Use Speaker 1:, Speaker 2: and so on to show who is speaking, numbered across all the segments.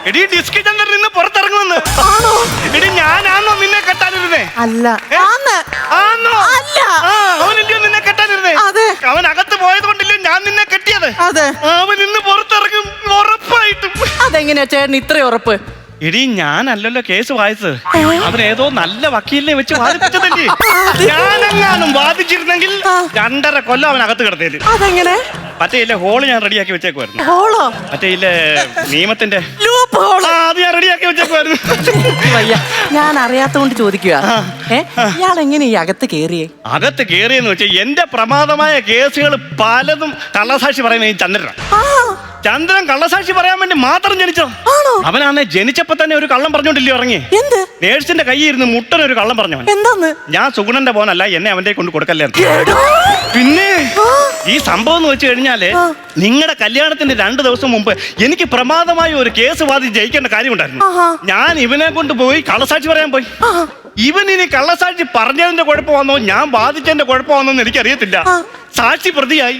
Speaker 1: എടി ഡിസ്കി ചന്ദ്രൻ നിന്ന് പുറത്തിറങ്ങുമെന്ന്. എടി ഞാനാന്നോ നിന്നെ കെട്ടാനിരുന്നേ?
Speaker 2: അല്ല.
Speaker 1: ആന്നോ?
Speaker 2: അല്ല.
Speaker 1: അവനല്ലയോ നിന്നെ കെട്ടാനിരുന്നേ? അവൻ അകത്ത് പോയത് കൊണ്ടല്ലോ ഞാൻ നിന്നെ കെട്ടിയത്. അവൻ ഇന്ന് പുറത്തിറങ്ങും ഉറപ്പായിട്ടും.
Speaker 2: അതെങ്ങനെയാ ചേട്ടൻ ഇത്ര ഉറപ്പ്?
Speaker 1: എടി ഞാനല്ലല്ലോ കേസ് വായിച്ചത്, അവൻ ഏതോ നല്ല വക്കീലിനെ വെച്ച് വാദിപ്പിച്ചതല്ലേ. ഞാനെങ്ങാനും വാദിച്ചിരുന്നെങ്കിൽ 2.5 കൊല്ലം അവനകത്ത് കിടത്തേല്.
Speaker 2: അതെങ്ങനെ?
Speaker 1: മറ്റേ ഇല്ലേ ഹോള് ഞാൻ റെഡിയാക്കി വെച്ചേക്കുമായിരുന്നു.
Speaker 2: ഹോളോ?
Speaker 1: മറ്റേ ഇല്ലേ നിയമത്തിന്റെ
Speaker 2: ലൂപ്പ് ഹോള്.
Speaker 1: അത് ഞാൻ റെഡിയാക്കി വെച്ചേക്കുമായിരുന്നു.
Speaker 2: ഞാൻ അറിയാത്തോണ്ട് ചോദിക്കുക, ഇയാൾ എങ്ങനെ ഈ അകത്ത് കേറിയേ?
Speaker 1: അകത്ത് കേറിയെന്ന് വെച്ചാൽ എന്റെ പ്രമാദമായ കേസുകൾ പലതും കള്ളസാക്ഷി പറയുന്ന ഈ ചന്ദ്രൻ കള്ളസാക്ഷി പറയാൻ വേണ്ടി മാത്രം ജനിച്ചോ? അവനാണ് ജനിച്ചപ്പോ തന്നെ ഒരു കള്ളം പറഞ്ഞോണ്ടില്ലയോ ഇറങ്ങി. നേഴ്സിന്റെ കയ്യിൽ ഇരുന്ന് മുട്ടൻ ഒരു കള്ളം പറഞ്ഞവൻ.
Speaker 2: എന്താന്ന്? ഞാൻ
Speaker 1: സുഗുണന്റെ പോനല്ല, എന്നെ അവന്റെ കൊണ്ട് കൊടുക്കല്ലേ. പിന്നെ ഈ സംഭവം എന്ന് വെച്ച് കഴിഞ്ഞാല് നിങ്ങളുടെ കല്യാണത്തിന്റെ 2 ദിവസം മുമ്പ് എനിക്ക് പ്രമാദമായ ഒരു കേസ് വാദിച്ച് ജയിക്കേണ്ട കാര്യമുണ്ടായിരുന്നു. ഞാൻ ഇവനെ കൊണ്ട് പോയി കള്ളസാക്ഷി പറയാൻ പോയി. ഇവൻ ഇനി കള്ളസാക്ഷി പറഞ്ഞതിന്റെ കുഴപ്പമാണോ ഞാൻ വാദിച്ചതിന്റെ കുഴപ്പമാണോന്ന് എനിക്കറിയത്തില്ല. സാക്ഷി പ്രതിയായി.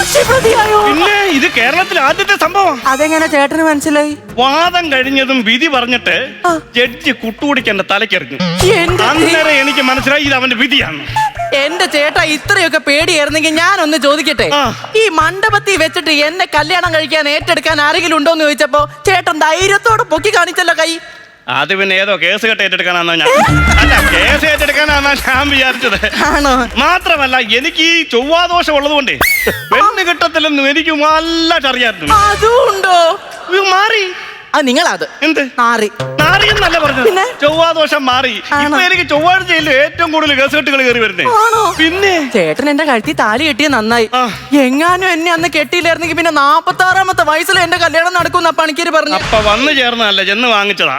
Speaker 1: പിന്നെ ഇത് കേരളത്തിൽ ആദ്യത്തെ സംഭവം.
Speaker 2: അതെങ്ങനെ ചേട്ടന് മനസ്സിലായി?
Speaker 1: വാദം കഴിഞ്ഞതും വിധി പറഞ്ഞിട്ട് ജഡ്ജി കുട്ടുകുടിക്കന്റെ തലക്കെറിഞ്ഞു. അന്നേരം എനിക്ക് മനസ്സിലായി ഇത് അവന്റെ വിധിയാണ്.
Speaker 2: എന്റെ ചേട്ടാ ഇത്രയൊക്കെ പേടിയായിരുന്നെങ്കിൽ ഞാനൊന്ന് ചോദിക്കട്ടെ, ഈ മണ്ഡപത്തിൽ വെച്ചിട്ട് എന്നെ കല്യാണം കഴിക്കാൻ ഏറ്റെടുക്കാൻ ആരെങ്കിലും ഉണ്ടോന്ന് ചോദിച്ചപ്പോ ചേട്ടൻ ധൈര്യത്തോടെ പൊക്കി കാണിച്ചല്ലോ കൈ.
Speaker 1: അത് പിന്നെ ഏതോ കേസ് കെട്ട് ഏറ്റെടുക്കാനാണോ ഞാൻ? അല്ല, കേസ് ഏറ്റെടുക്കാനാണോ ഞാൻ വിചാരിച്ചത്. മാത്രമല്ല എനിക്ക് ഈ ചൊവ്വാദോഷം ഉള്ളത് കൊണ്ടേ പെണ്ണ് കിട്ടത്തില്ലെന്നും എനിക്ക് നല്ലതായിട്ട് അറിയാമായിരുന്നു.
Speaker 2: അതുണ്ടോ?
Speaker 1: മാറി
Speaker 2: നിങ്ങളത്
Speaker 1: എന്ത് നാറിയെന്നല്ല പറഞ്ഞത്, ചൊവ്വാദോഷം മാറി. ഇപ്പൊ എനിക്ക് ചൊവ്വാഴ്ചയിൽ ഏറ്റവും കൂടുതൽ കേസുകെട്ടുകൾ കയറി വരുന്നേ. പിന്നെ
Speaker 2: ചേട്ടൻ എന്റെ കഴുത്തിൽ താലി കെട്ടിയ നന്നായി. എങ്ങാനും എന്നെ അന്ന് കെട്ടിയില്ലായിരുന്നെങ്കിൽ പിന്നെ 46-ാമത്തെ വയസ്സിൽ എന്റെ കല്യാണം നടക്കുന്ന പണിക്കര് പറഞ്ഞു.
Speaker 1: അപ്പൊ വന്നു ചേർന്നല്ല, ചെന്ന് വാങ്ങിച്ചതാ.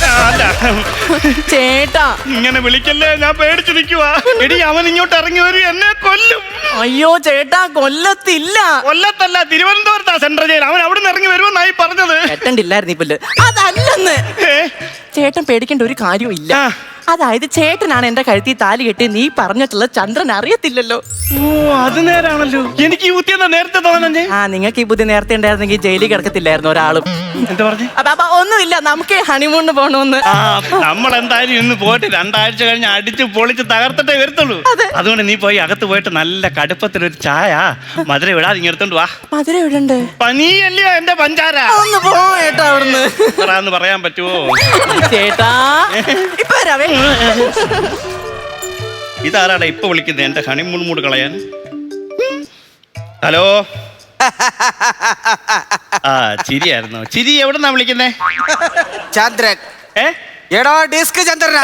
Speaker 2: ചേട്ടാ
Speaker 1: ഇങ്ങനെ വിളിക്കല്ലേ, ഞാൻ പേടിച്ചു നിൽക്കുവാ. എടി അവൻ ഇങ്ങോട്ട് ഇറങ്ങി വരും, എന്നെ കൊല്ലും.
Speaker 2: അയ്യോ ചേട്ടാ, കൊല്ലത്തില്ല.
Speaker 1: കൊല്ലത്തല്ല, തിരുവനന്തപുരത്താ സെൻട്രൽ ജയിൽ. അവൻ അവിടെ നിന്ന് ഇറങ്ങി വരുമെന്നായി പറഞ്ഞത്.
Speaker 2: കെട്ടണ്ടില്ലായിരുന്നു. അതല്ലെന്ന്. ചേട്ടൻ പേടിക്കേണ്ട ഒരു കാര്യവും ഇല്ല. അതായത് ചേട്ടനാണ് എന്റെ കഴുത്തിൽ താലി കെട്ടി നീ പറഞ്ഞിട്ടുള്ള ചന്ദ്രൻ അറിയത്തില്ലല്ലോ.
Speaker 1: ഓ, അത് നേരാണല്ലോ. എനിക്ക് ഈ ബുദ്ധി എന്താ നേരത്തെ തോന്നുന്നേ?
Speaker 2: നിങ്ങൾക്ക് ഈ ബുദ്ധി നേരത്തെ ഉണ്ടായിരുന്നെങ്കിൽ ജയിലിൽ കിടക്കത്തില്ലായിരുന്നു ഒരാളും.
Speaker 1: എന്താ പറഞ്ഞു?
Speaker 2: ഒന്നുമില്ല, നമുക്ക് ഹണിമൂണിന് പോണോന്ന്.
Speaker 1: നമ്മൾ എന്തായാലും ഇന്ന് പോയിട്ട് 2 ആഴ്ച കഴിഞ്ഞ് അടിച്ച് പൊളിച്ച് തകർത്തിട്ടേ വരത്തുള്ളൂ. അതുകൊണ്ട് നീ പോയി അകത്ത് പോയിട്ട് നല്ല കടുപ്പത്തിലൊരു ചായ മധുര വിടാതെ ഇങ്ങെടുത്തോണ്ട് വാ.
Speaker 2: മധുര വിടണ്ടേ?
Speaker 1: പനിയല്ലയോ എന്റെ പഞ്ചാര.
Speaker 2: ഒന്ന് പോയേട്ടാ അവിടുന്ന്.
Speaker 1: പറയാൻ പറ്റുമോ
Speaker 2: ചേട്ടാ? ഇപ്പൊ വരാവേ.
Speaker 1: ഇതാരാടാ ഇപ്പൊ വിളിക്കുന്നത് എന്റെ ഹണിമൂൺ മൂഡ് കളയാൻ? ഹലോ. ചിരിയായിരുന്നു. ചിരി എവിടെന്നാ വിളിക്കുന്നേ?
Speaker 3: ചന്ദ്രൻ. എടോ ഡിസ്ക് ചന്ദ്രൻ.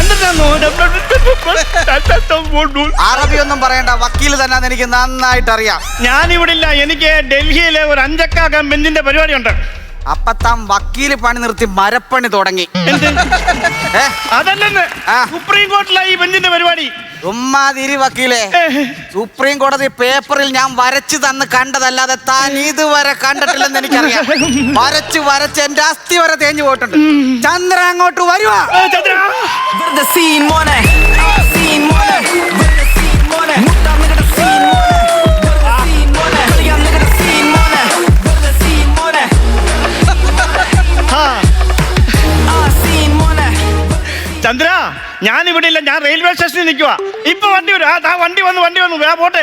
Speaker 3: അറബി ഒന്നും പറയണ്ട, വക്കീല് തന്നെ എനിക്ക് നന്നായിട്ട് അറിയാം.
Speaker 1: ഞാനിവിടില്ല, എനിക്ക് ഡൽഹിയിലെ ഒരു 5 അക്ക ബെഞ്ചിന്റെ പരിപാടി ഉണ്ട്.
Speaker 3: അപ്പൊ താൻ വക്കീല് പണി നിർത്തി മരപ്പണി തുടങ്ങി.
Speaker 1: അതല്ലെന്ന്, സുപ്രീം കോടതിയിലായി ഈ ബെഞ്ചിന്റെ പരിപാടി.
Speaker 3: ഉമ്മാതിരി വക്കീലെ, സുപ്രീം കോടതി പേപ്പറിൽ ഞാൻ വരച്ചു തന്ന് കണ്ടതല്ലാതെ താൻ ഇതുവരെ കണ്ടിട്ടില്ലെന്ന് എനിക്കറിയാം. വരച്ച് എന്റെ അസ്ഥി വരെ തേഞ്ഞു പോയിട്ടുണ്ട്. ചന്ദ്രൻ അങ്ങോട്ട് വരുവാ.
Speaker 1: ചന്ദ്ര, ഞാനിവിടെ ഇല്ല, ഞാൻ റെയിൽവേ സ്റ്റേഷനിൽ നിൽക്കുക. ഇപ്പൊ വണ്ടി വരും. വണ്ടി വന്നു വേ പോട്ടെ.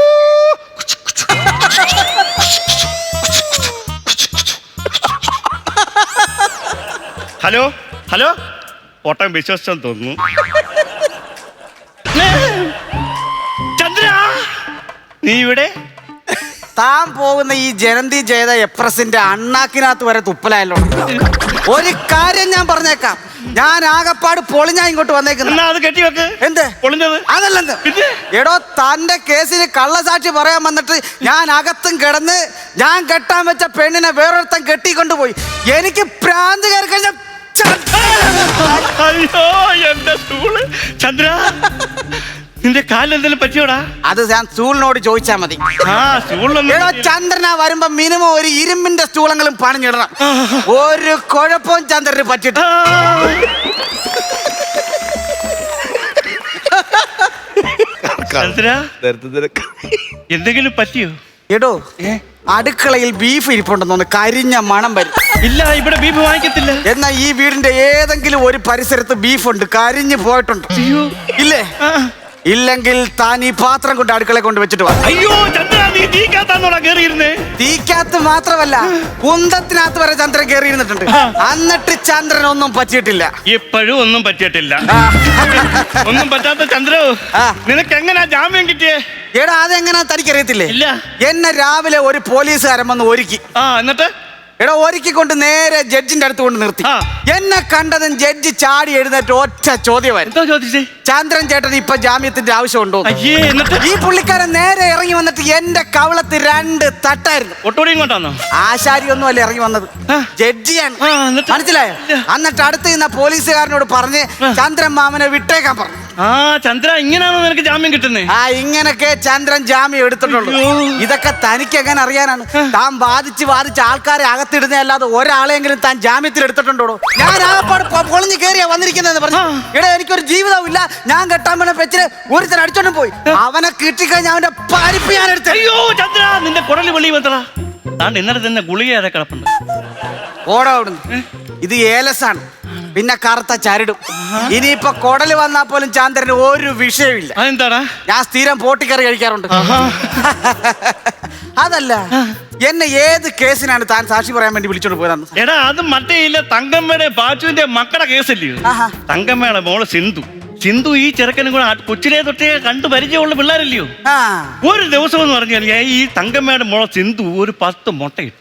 Speaker 1: ഹലോ ഹലോ, ഓട്ടം വിശ്വസിച്ചെന്ന് തോന്നുന്നു. ചന്ദ്ര, നീ ഇവിടെ?
Speaker 3: താൻ പോകുന്ന ഈ ജനന്തി ജയത എക്സ്പ്രസിന്റെ അണ്ണാക്കിനകത്ത് വരെ തുപ്പലായല്ലോ. ഒരു കാര്യം ഞാൻ പറഞ്ഞേക്കാം, ഞാൻ ആകപ്പാട് പൊളിഞ്ഞാ ഇങ്ങോട്ട് വന്നേക്കുന്നത്.
Speaker 1: അത് കെട്ടിവെക്ക്.
Speaker 3: എന്ത് പൊളിഞ്ഞത്? അതല്ലെന്ന്. എടോ, തന്റെ കേസിന് കള്ളസാക്ഷി പറയാൻ വന്നിട്ട് ഞാൻ അകത്തും കിടന്ന് ഞാൻ കെട്ടാൻ വെച്ച പെണ്ണിനെ വേറൊരുത്തൻ കെട്ടിക്കൊണ്ടുപോയി. എനിക്ക് പ്രാന്ത് കയറി കഴിഞ്ഞ.
Speaker 1: അയ്യോ എന്റെ സ്റ്റൂള്. ചന്ദ്ര, നിന്റെ കാലിൽ എന്തെങ്കിലും പറ്റിയോടാ?
Speaker 3: അത് ഞാൻ സ്റ്റൂളിനോട് ചോദിച്ചാ മതി. എടോ, ചന്ദ്രനാ വരുമ്പോ മിനിമം ഒരു ഇരുമ്പിന്റെ സ്റ്റൂളെങ്കിലും പണിഞ്ഞിടണം. ഒരു കുഴപ്പവും ചന്ദ്രന് പറ്റിട്ട്.
Speaker 1: ചന്ദ്ര, എന്തെങ്കിലും പറ്റിയോ?
Speaker 3: എടോ, അടുക്കളയിൽ ബീഫ് ഇരിപ്പുണ്ടെന്ന് കരിഞ്ഞ മണം വരും.
Speaker 1: ഇല്ല, ഇവിടെ ബീഫ് വാങ്ങിക്കത്തില്ല.
Speaker 3: എന്നാ ഈ വീടിന്റെ ഏതെങ്കിലും ഒരു പരിസരത്ത് ബീഫുണ്ട്, കരിഞ്ഞു പോയിട്ടുണ്ട്.
Speaker 1: അയ്യോ.
Speaker 3: ഇല്ലേ? ഇല്ലെങ്കിൽ താൻ ഈ പാത്രം കൊണ്ട് അടുക്കള കൊണ്ട് വെച്ചിട്ട് വാ.
Speaker 1: അയ്യോ ചന്ദ്ര, നീ തീക്കാത്താന്നോടാ കേറിയിരുന്നേ.
Speaker 3: തീക്കകത്ത് മാത്രമല്ല, കുന്തത്തിനകത്ത് വരെ ചന്ദ്രൻ കയറിയിരുന്നിട്ടുണ്ട്. എന്നിട്ട് ചന്ദ്രൻ ഒന്നും പറ്റിയിട്ടില്ല.
Speaker 1: ഇപ്പോഴും ഒന്നും പറ്റിയിട്ടില്ല. ഒന്നും പറ്റാത്ത ചന്ദ്രു, നിനക്ക് എങ്ങനാ ജാമ്യം കിട്ടിയേ?
Speaker 3: എടാ, അതെങ്ങനാ തനിക്കറിയത്തില്ലേ?
Speaker 1: ഇല്ല.
Speaker 3: എന്നെ രാവിലെ ഒരു പോലീസുകാരൻ വന്ന് ഒരുക്കി.
Speaker 1: എന്നിട്ട്
Speaker 3: എടാ, ഒരുക്കിക്കൊണ്ട് നേരെ ജഡ്ജിന്റെ അടുത്ത് കൊണ്ട് നിർത്തി. എന്നെ കണ്ടതും ജഡ്ജി ചാടി എഴുന്നേറ്റ് ഒറ്റ ചോദ്യമായിരുന്നു.
Speaker 1: എന്തോ ചോദിച്ചേ?
Speaker 3: ചന്ദ്രൻ ചേട്ടൻ ഇപ്പൊ ജാമ്യത്തിന്റെ ആവശ്യമുണ്ടോ?
Speaker 1: എന്നിട്ട്
Speaker 3: ഈ പുള്ളിക്കാരൻ നേരെ ഇറങ്ങി വന്നിട്ട് എന്റെ കവളത്ത് 2 തട്ടായിരുന്നു.
Speaker 1: ഒട്ടോടിയും കൊണ്ടാന്നോ?
Speaker 3: ആശാരി ഒന്നും അല്ല ഇറങ്ങി വന്നത്, ജഡ്ജിയാണ്. മനസ്സിലായോ? എന്നിട്ട് അടുത്ത് നിന്ന പോലീസുകാരനോട് പറഞ്ഞ് ചന്ദ്രൻ മാമനെ വിട്ടേക്കാൻ പറഞ്ഞു.
Speaker 1: ചന്ദ്ര, ഇങ്ങനെയാണോ നിനക്ക് ജാമ്യം കിട്ടുന്നേ?
Speaker 3: ഇങ്ങനൊക്കെ ചന്ദ്രൻ ജാമ്യം എടുത്തിട്ടുള്ളൂ. ഇതൊക്കെ തനിക്ക് എങ്ങനെ അറിയാനാണ്? താൻ വാദിച്ച് ആൾക്കാരെ അകത്തിടുന്നേ അല്ലാതെ ഒരാളെങ്കിലും താൻ ജാമ്യത്തിൽ എടുത്തിട്ടുണ്ടോ? ഞാൻ ആകപ്പാട് പൊളിഞ്ഞു കയറിയാ വന്നിരിക്കുന്നതെന്ന് പറഞ്ഞു. എടാ, എനിക്കൊരു ജീവിതവും ഇല്ല. ഞാൻ കെട്ടാൻ പറ്റുന്ന പെച്ചിന് ഒരുത്തൻ അടിച്ചോണ്ടും പോയി. അവനെ കിട്ടിക്കഴിഞ്ഞാൽ അവന്റെ പരിപ്പ് ഞാൻ എടുത്തു.
Speaker 1: അയ്യോ ചന്ദ്ര, നിന്റെ കുടല് വെളി വന്നടാ. താണ്ട് ഇന്നലെ തന്നെ ഗുളികയാതെ കിടപ്പുണ്ട്.
Speaker 3: ഓടാ അവിടുന്ന്. ഇത് ഏലസാണ്, പിന്നെ കറുത്ത ചരടും. ഇനിയിപ്പൊ കൊടല് വന്നാൽ പോലും ചന്ദ്രന് ഒരു വിഷയമില്ല.
Speaker 1: അതെന്താടാ?
Speaker 3: ഞാൻ സ്ഥിരം പോട്ടിക്കറി കഴിക്കാറുണ്ട്. അതല്ല, എന്നെ ഏത് കേസിനാണ് താൻ സാക്ഷി പറയാൻ വേണ്ടി വിളിച്ചോണ്ട് പോയതെന്ന്?
Speaker 1: എടാ, അത് മറ്റേ ഇല്ല, തങ്കമ്മയുടെ പാച്ചുവിന്റെ മക്കളുടെ കേസല്ലയോ? തങ്കമ്മയുടെ മോള് സിന്ധു ഈ ചെറുക്കനും കൂടെ കൊച്ചിലെ തൊട്ടേ കണ്ടു പരിചയമുള്ള പിള്ളേരല്ലയോ? ഒരു ദിവസം എന്ന് പറഞ്ഞാൽ ഈ തങ്കമ്മയുടെ മോളെ സിന്ധു ഒരു 10 മുട്ടയിട്ടു.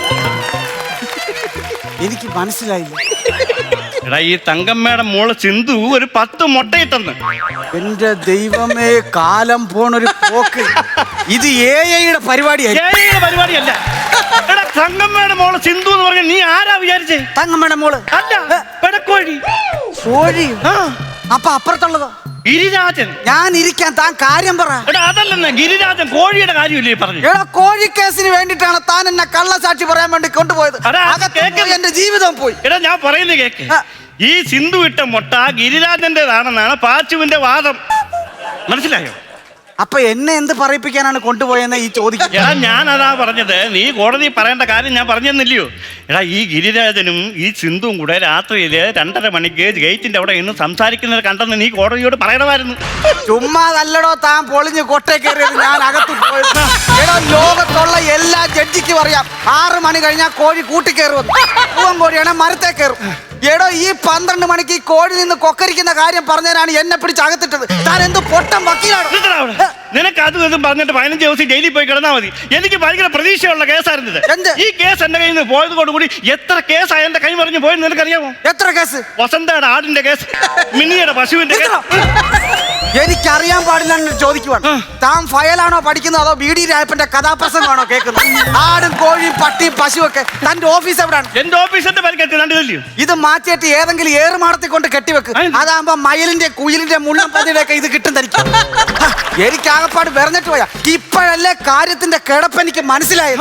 Speaker 3: എനിക്ക് മനസ്സിലായില്ല.
Speaker 1: എടാ, ഈ തങ്കമ്മയുടെ മോള് സിന്ധു ഒരു 10 മുട്ടയിട്ടെന്ന്.
Speaker 3: എന്റെ ദൈവമേ, കാലം പോണൊരു പോക്ക്. ഇത് AI-യുടെ
Speaker 1: പരിപാടിയല്ല. എടാ, തങ്കമ്മയുടെ മോള് സിന്ധു എന്ന് പറഞ്ഞാൽ നീ ആരാ വിചാരിച്ചേ?
Speaker 3: തങ്കമ്മയുടെ മോള്
Speaker 1: അല്ല, പെടക്കോഴി.
Speaker 3: കോഴി? അപ്പൊ അപ്പുറത്തുള്ളതോ?
Speaker 1: ഗിരിരാജൻ.
Speaker 3: ഞാൻ ഇരിക്കാൻ, താൻ കാര്യം പറ.
Speaker 1: എടാ, അതല്ലെന്ന്, ഗിരിരാജൻ കോഴിയുടെ കാര്യമില്ലേ പറഞ്ഞു?
Speaker 3: എടാ, കോഴി കേസിന് വേണ്ടിയിട്ടാണ് താൻ എന്നെ കള്ളസാക്ഷി പറയാൻ വേണ്ടി കൊണ്ടുപോയത്. എന്റെ ജീവിതം പോയി.
Speaker 1: എടാ, ഞാൻ പറയുന്നത് കേക്ക്. ഈ സിന്ധു ഇട്ട മുട്ട ഗിരിരാജന്റേതാണെന്നാണ് പാച്ചുവിന്റെ വാദം. മനസ്സിലായോ?
Speaker 3: അപ്പൊ എന്നെ എന്ത് പറയിപ്പിക്കാനാണ് കൊണ്ടുപോയെന്ന് ഈ ചോദിക്കുക?
Speaker 1: എടാ, ഞാൻ അതാ പറഞ്ഞത്. നീ കോടതി പറയേണ്ട കാര്യം ഞാൻ പറഞ്ഞെന്നില്ലയോ? എടാ, ഈ ഗിരിരാജനും ഈ സിന്ധുവും കൂടെ രാത്രിയില് 2:30 മണിക്ക് ഗേറ്റിന്റെ അവിടെ ഇന്ന് സംസാരിക്കുന്നത് കണ്ടെന്ന് നീ കോടതിയോട് പറയണമായിരുന്നു.
Speaker 3: ചുമ്മാതല്ലടോ താൻ പൊളിഞ്ഞ് കൊട്ടേ കയറിയത്. ഞാൻ അകത്ത് പോയത്. എടോ, ലോകത്തുള്ള എല്ലാ ജഡ്ജിക്കും അറിയാം 6 മണി കഴിഞ്ഞാൽ കോഴി കൂട്ടിക്കയറുമെന്ന്. പൂവൻ കോഴിയാണെ മരത്തെ കയറും. എടോ, ഈ 12 മണിക്ക് ഈ കോഴി നിന്ന് കൊക്കരിക്കുന്ന കാര്യം പറഞ്ഞതിനാണ് എന്നെ പിടിച്ച് അകത്തിട്ടത്. താൻ എന്ത് പൊട്ടം വക്കീലാണ്?
Speaker 1: നിനക്ക് അതും ഇതും പറഞ്ഞിട്ട് 15 ദിവസം ജയിലിൽ പോയി കിടന്നാൽ മതി. എനിക്ക് ഭയങ്കര പ്രതീക്ഷയുള്ള കേസായിരുന്നത്. ഈ കേസ് എന്റെ കയ്യിൽ നിന്ന് പോയത് കൊണ്ടുകൂടി എത്ര കേസാ എന്റെ കൈ മറിഞ്ഞു പോയെന്ന് നിനക്കറിയാമോ?
Speaker 3: എത്ര കേസ്?
Speaker 1: വസന്തയുടെ ആടിന്റെ കേസ്, മിനിയുടെ പശുവിന്റെ കേസ്.
Speaker 3: എനിക്കറിയാൻ പാടില്ല ചോദിക്കുവാണ്. താൻ ഫയലാണോ പഠിക്കുന്നത് അതോ BD രായപ്പന്റെ കഥാപ്രസംഗമാണോ കേൾക്കുന്നത്? ആടും കോഴിയും പട്ടിയും പശുവൊക്കെ. തന്റെ ഓഫീസ് എവിടെയാണ്?
Speaker 1: എന്റെ ഓഫീസിന്റെ പരിക്കറ്റ് കണ്ടില്ലയോ?
Speaker 3: ഇത് മാറ്റിയിട്ട് ഏതെങ്കിലും ഏറുമാടത്തിൽ കൊണ്ട് കെട്ടിവെക്ക്. അതാകുമ്പോ മയിലിന്റെ കുയിലിന്റെ മുള്ളം പതിയുടെ ഒക്കെ ഇത് കിട്ടും തനിക്ക്. എനിക്ക് ആകപ്പാട് വെറഞ്ഞിട്ട് പോയാ. ഇപ്പോഴല്ലേ കാര്യത്തിന്റെ കിടപ്പ് എനിക്ക് മനസ്സിലായത്.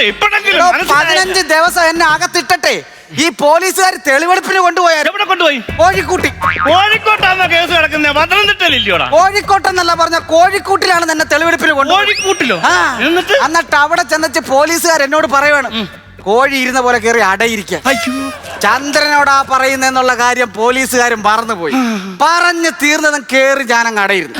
Speaker 3: 15 ദിവസം എന്നെ അകത്തിട്ടട്ടെ ഈ പോലീസുകാർ തെളിവെടുപ്പിന് കൊണ്ടുപോയാൽ.
Speaker 1: എവിടെ കൊണ്ടുപോയി?
Speaker 3: കോഴിക്കൂട്ടി.
Speaker 1: കോഴിക്കോട്ടാണോ കേസ് കിടക്കുന്നത്? പത്തനംതിട്ടയില്ലയോടാ?
Speaker 3: കോഴിക്കോട്ടെന്നല്ല പറഞ്ഞ, കോഴിക്കൂട്ടിലാണ് എന്നെ തെളിവെടുപ്പിന് കൊണ്ടുപോയി.
Speaker 1: കോഴിക്കൂട്ടിലോ?
Speaker 3: എന്നിട്ട് അവിടെ ചെന്നിട്ട് പോലീസുകാർ എന്നോട് പറയുവാണ്, കോഴി ഇരുന്ന പോലെ കയറി അടയിരിക്കുക. ചന്ദ്രനോടാ പറയുന്നെന്നുള്ള കാര്യം പോലീസുകാരും മറന്നുപോയി. പറഞ്ഞു തീർന്നതും കേറി ഞാനങ്ങ് അടയിരുന്നു.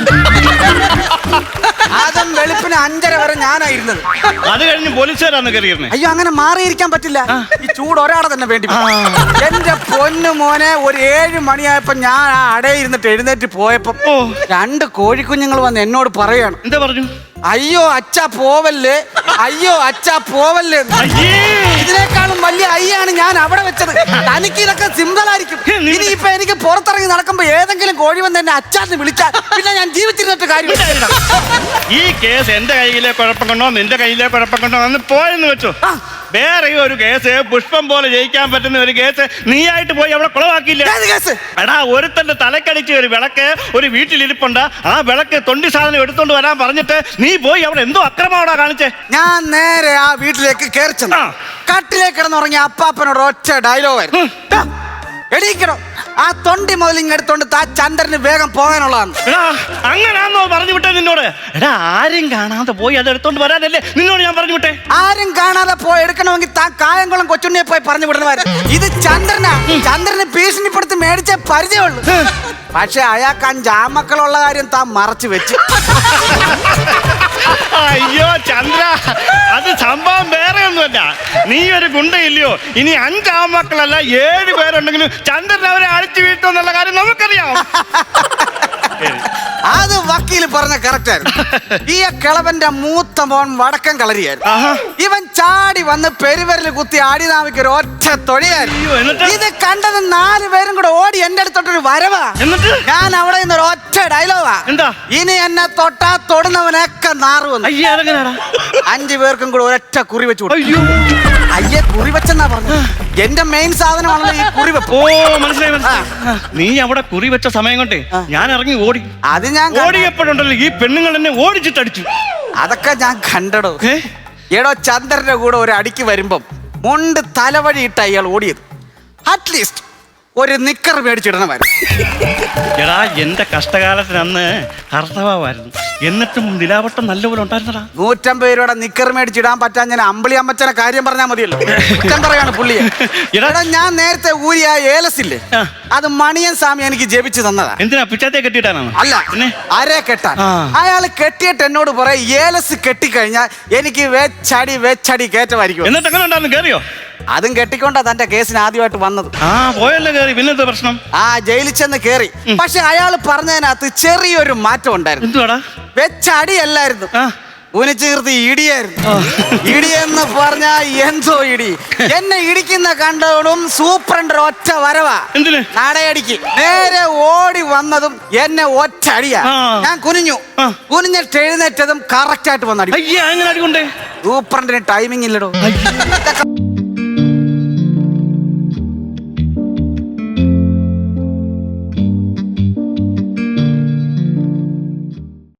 Speaker 3: അതും വെളുപ്പിന് 5:30 വരെ ഞാനായിരുന്നത്.
Speaker 1: അത് കഴിഞ്ഞ് പോലീസുകാരാണ് കയറിയിരുന്നത്.
Speaker 3: അയ്യോ, അങ്ങനെ മാറിയിരിക്കാൻ പറ്റില്ല. ഈ ചൂട് ഒരാളെ തന്നെ വേണ്ടി. എന്റെ പൊന്നു മോനെ, ഒരു 7 മണിയായപ്പോ ഞാൻ ആ അടയിരുന്നിട്ട് എഴുന്നേറ്റ് പോയപ്പോ 2 കോഴിക്കുഞ്ഞുങ്ങൾ വന്ന് എന്നോട് പറയാണ്.
Speaker 1: എന്താ പറഞ്ഞു?
Speaker 3: അയ്യോ അച്ഛാ പോവല്ലേ, അയ്യോ അച്ഛാ പോവല്ലേ. ഇതിനേക്കാളും വലിയ അയ്യാണ് ഞാൻ അവിടെ വെച്ചത്. തനിക്ക് ഇതൊക്കെ സിമ്പിൾ ആയിരിക്കും. ഇനിയിപ്പൊ എനിക്ക് പുറത്തിറങ്ങി നടക്കുമ്പോ ഏതെങ്കിലും കോഴി വന്ന് എന്നെ അച്ഛാന്ന് വിളിച്ചാൽ പിന്നെ ഞാൻ ജീവിച്ചിരുന്നിട്ട് കാര്യമില്ല.
Speaker 1: ഈ കേസ് എന്റെ കയ്യിലെ കുഴപ്പം കൊണ്ടോ നിന്റെ കയ്യിലെ കുഴപ്പം കൊണ്ടോ എന്ന് പോയെന്ന് വെച്ചോ. വേറെ ഒരു കേസ് പുഷ്പം പോലെ ജയിക്കാൻ പറ്റുന്ന ഒരു കേസ് നീയായിട്ട് പോയി അവിടെ കുളവാക്കിയില്ല. എടാ, ഒരുത്തന്റെ തലക്കടിച്ച് ഒരു വിളക്ക് ഒരു വീട്ടിലിരിപ്പുണ്ട്. ആ വിളക്ക് തൊണ്ടി സാധനം എടുത്തോണ്ട് വരാൻ പറഞ്ഞിട്ട് നീ പോയി അവിടെ എന്തോ അക്രമമാടാ കാണിച്ചേ.
Speaker 3: ഞാൻ നേരെ ആ വീട്ടിലേക്ക് കയറി ചെന്നു. കട്ടിലേക്ക് കിടന്നുറങ്ങിയ അപ്പാപ്പനോട് ഒറ്റ ഡയലോഗായിരുന്നു, എണീക്കണം ആ തൊണ്ടി മുതൽ ഇങ്ങെടുത്തോണ്ട് താ ചന്ദ്രന് വേഗം പോകാനുള്ളതാണ്.
Speaker 1: എടാ അങ്ങനാന്നോ പറഞ്ഞു വിട്ടേ നിന്നോട്? എടാ ആരും കാണാതെ പോയി അത് എടുത്തോണ്ട് വരാനല്ലേ നിന്നോട് ഞാൻ പറഞ്ഞു വിട്ടെ.
Speaker 3: ആരും കാണാതെ പോയി എടുക്കണമെങ്കിൽ താൻ കായംകുളം കൊച്ചുണ്ണിയെ പോയി പറഞ്ഞു വിടണമായിരുന്നു. ഇത് ചന്ദ്രനാ. ചന്ദ്രന് ഭീഷണിപ്പെടുത്തി മേടിച്ച പരിചയമുള്ളൂ. പക്ഷെ അയാൾക്ക് 5 ആമക്കളുള്ള കാര്യം താൻ മറച്ചു വെച്ചു.
Speaker 1: അയ്യോ ചന്ദ്ര, അത് സംഭവം വേറെ ഒന്നുമല്ല. നീ ഒരു ഗുണ്ടയില്ലയോ? ഇനി 5 ആമക്കളല്ല 7 പേരുണ്ടെങ്കിലും ചന്ദ്രൻ അവരെ അഴിച്ചു വീട്ടുമെന്നുള്ള കാര്യം നമുക്കറിയാം.
Speaker 3: അത് വക്കീല് പറഞ്ഞ കറക്റ്റ് ആയിരുന്നു. ഈ കിളവന്റെ മൂത്ത മോൻ വടക്കൻ കളരിയായിരുന്നു. ഇവൻ ചാടി വന്ന് പെരുവരല് കുത്തി ആടിനാവിക്ക് ഒരു ഒറ്റ തൊഴിയായിരുന്നു. ഇത് കണ്ടത് 4 പേരും കൂടെ ഓടി എന്റെ അടുത്തോട്ടൊരു വരവാ. ഞാൻ അവിടെ നിന്ന് ഒരു ഒറ്റ ഡയലോഗാ, എന്താ ഇനി എന്നെ തൊട്ടാ തൊടുന്നവനൊക്കെ നാറുവന്നു. 5 പേർക്കും കൂടെ ഒരൊറ്റ കുറി വെച്ചു. അയ്യേ കുറി വെച്ചെന്നാ പറഞ്ഞു. എന്റെ മെയിൻ സാധനമാണല്ലോ ഈ കുറി വെപ്പ്.
Speaker 1: ഓ മനസ്സിലായി. നീ അവിടെ കുറി വെച്ച സമയം കൊണ്ട് ഞാൻ ഇറങ്ങി ഓടി.
Speaker 3: അത് ഞാൻ
Speaker 1: ഓടിയപ്പോഴുണ്ടല്ലോ ഈ പെണ്ണുങ്ങൾ എന്നെ ഓടിച്ചിട്ടടിച്ചു.
Speaker 3: അതൊക്കെ ഞാൻ കണ്ടടോ. എടോ ചന്ദ്രന്റെ കൂടെ ഒരു അടിക്ക് വരുമ്പം മുണ്ട് തലവഴി ഇട്ട അയാൾ ഓടിയത്. അറ്റ്ലീസ്റ്റ് ഒരു നിക്കർ മേടിച്ചിടണമായിരുന്നു.
Speaker 1: എടാ എന്റെ കഷ്ടകാലത്തിന് അന്ന് കർത്തവായിരുന്നു, എന്നിട്ടും നിലാവട്ടം നല്ലപോലെ ഉണ്ടായിരുന്നടാ.
Speaker 3: 150 രൂപയുടെ നിക്കർ മേടിച്ചിടാൻ പറ്റാൻ ഞാൻ അമ്പിളി അമ്മച്ചനെ കാര്യം പറഞ്ഞാൽ മതിയല്ലോ. കുറ്റം പറയാണ് പുള്ളിയെ. എടാ ഞാൻ നേരത്തെ ഊരിയ ഏലസില്ലേ, അത് മണിയൻ സ്വാമി എനിക്ക് ജപിച്ചു തന്നതാ.
Speaker 1: എന്തിനാ പിച്ചാത്തെ കെട്ടിയിട്ടാണോ?
Speaker 3: അല്ല, അരേ കെട്ടാൻ. അയാള് കെട്ടിയിട്ട് എന്നോട് പറയും ഏലസ് കെട്ടിക്കഴിഞ്ഞാൽ എനിക്ക് വെച്ചടി കയറ്റമായിരിക്കും.
Speaker 1: എന്നിട്ട് എങ്ങനെ ഉണ്ടായിരുന്നു? കേറിയോ?
Speaker 3: അതും കെട്ടിക്കൊണ്ടാ തന്റെ കേസിന് ആദ്യമായിട്ട് വന്നത്.
Speaker 1: പോയല്ലേ കേറി. പിന്നെന്താ പ്രശ്നം?
Speaker 3: ജയിലിൽ ചെന്ന് കേറി. പക്ഷെ അയാള് പറഞ്ഞതിനകത്ത് ചെറിയൊരു മാറ്റം ഉണ്ടായിരുന്നു.
Speaker 1: എന്തുവാടാ?
Speaker 3: വെച്ചടിയല്ലായിരുന്നു, ഉനിച്ചീർത്തി ഇടിയായിരുന്നു. ഇടിയെന്ന് പറഞ്ഞാ എന്തോ ഇടി. എന്നെ ഇടിക്കുന്ന കണ്ടോടും സൂപ്രണ്ട് ഒറ്റ വരവാ.
Speaker 1: എന്തിന്?
Speaker 3: നടയടിക്ക് നേരെ ഓടി വന്നതും എന്നെ ഒറ്റ അടിയാ. ഞാൻ കുനിഞ്ഞിട്ട് എഴുന്നേറ്റതും കറക്റ്റ് ആയിട്ട് വന്നടി.
Speaker 1: അയ്യേ അങ്ങനെ അടികൊണ്ടേ?
Speaker 3: സൂപ്രണ്ടിന് ടൈമിംഗ് ഇല്ലടോ.